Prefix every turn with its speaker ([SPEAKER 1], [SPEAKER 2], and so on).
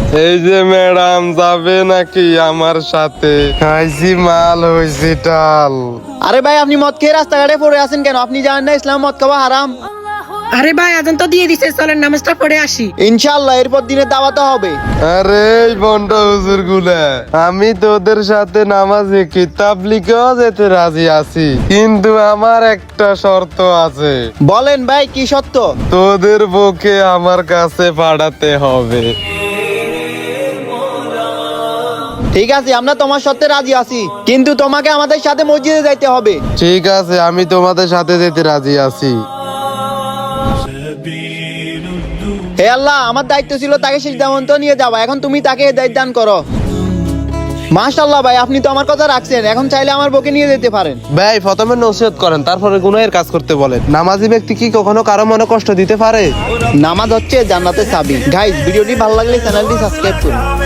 [SPEAKER 1] এই যে ম্যাডাম যাবে নাকি আমার সাথে? খাইছি মাল হইছি টাল।
[SPEAKER 2] আরে ভাই আপনি মদ খেয়ে রাস্তাঘাটে পড়ে আছেন কেন? আপনি জানেন না ইসলাম মদ খাওয়া হারাম?
[SPEAKER 3] আরে ভাই আজান তো দিয়ে দিছে, চলেন নামাজটা পড়ে আসি।
[SPEAKER 2] ইনশাআল্লাহ এরপর দিনে দাওয়াতে হবে।
[SPEAKER 1] আরে বন্ড হুজুর গুলা, আমি তোদের সাথে নামাজে কিতাব লিখেও যেতে রাজি আছি, কিন্তু আমার একটা শর্ত আছে।
[SPEAKER 2] বলেন ভাই কি সত্য?
[SPEAKER 1] তোদের বউকে আমার কাছে পাঠাতে হবে।
[SPEAKER 2] ঠিক আছে, আমরা তোমার সত্যি রাজি আছি, কিন্তু তোমাকে আমাদের সাথে মসজিদে যাইতে হবে।
[SPEAKER 1] ঠিক আছে, আমি তোমাদের সাথে যেতে রাজি আছি।
[SPEAKER 2] হে আল্লাহ, আমার দায়িত্ব ছিল তাকে সিদ্ধান্ত নিয়ে যাওয়া, এখন তুমি তাকে দায়িত্ব দান করো। মাশাআল্লাহ ভাই, আপনি তো আমার কথা রাখছেন, এখন চাইলে আমার বউকে নিয়ে যেতে পারেন।
[SPEAKER 1] ভাই প্রথমে নসিহত করেন, তারপরে গুনাহের কাজ করতে বলেন। নামাজি ব্যক্তি কি কখনো কারো মনে কষ্ট দিতে পারে?
[SPEAKER 2] নামাজ হচ্ছে জান্নাতের চাবি। গাইস, ভিডিওটি ভালো লাগলে চ্যানেলটি সাবস্ক্রাইব করুন।